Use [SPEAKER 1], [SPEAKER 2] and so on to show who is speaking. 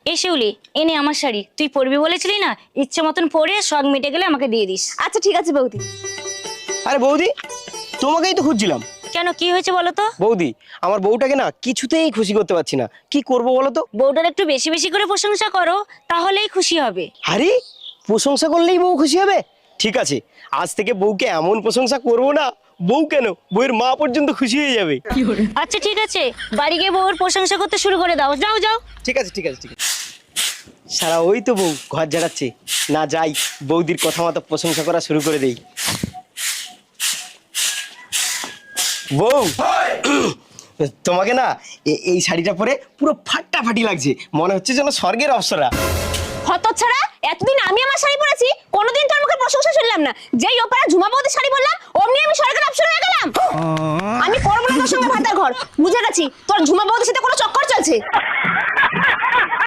[SPEAKER 1] এই শিউলি, এনে আমার শাড়ি, তুই পরবি বলেছিলি না, ইচ্ছে মতন পরে শখ মিটে গেলে আমাকে দিয়ে দিস।
[SPEAKER 2] আচ্ছা ঠিক আছে বৌদি।
[SPEAKER 3] আরে বৌদি, তোমাকেই তো খুঁজছিলাম।
[SPEAKER 1] কেন, কি হয়েছে বলো তো?
[SPEAKER 3] বৌদি, আমার বউটাকে না কিছুতেই খুশি করতে পারছি না, কি করব বলো তো?
[SPEAKER 1] বউটার একটু বেশি বেশি করে প্রশংসা করো, তাহলেই খুশি হবে।
[SPEAKER 3] আরে, প্রশংসা করলেই বউ খুশি হবে? ঠিক আছে, আজ থেকে বউকে এমন প্রশংসা করবো না, বউ কেন, বউয়ের মা পর্যন্ত খুশি হয়ে যাবে।
[SPEAKER 1] আচ্ছা ঠিক আছে, বাড়ি গিয়ে বউর প্রশংসা করতে শুরু করে দাও, যাও যাও।
[SPEAKER 3] ঠিক আছে ঠিক আছে ঠিক আছে। সারা ওই তো বউ ঘর ঝাড়াচ্ছে, না যাই বৌদির কথা মতো প্রশংসা করা শুরু করে দেই। বউ, তোমাকে না এই শাড়িটা পরে পুরো ফাটাফাটি লাগছে, মনে হচ্ছে যেন স্বর্গের অপ্সরা।
[SPEAKER 2] হতচ্ছাড়া, এতদিন আমি আমার শাড়ি পরেছি, কোনোদিন তোর মুখে প্রশংসা শুনলাম না। যেই ওপারা ঝুমা বৌদির শাড়ি বললাম, অমনি আমি স্বর্গের অপশন হয়ে গেলাম। আমি করবো না তোর সঙ্গে ভাতার ঘর, বুঝে গেছি তোর ঝুমা বৌদির সাথে কোনো চক্কর চলছে।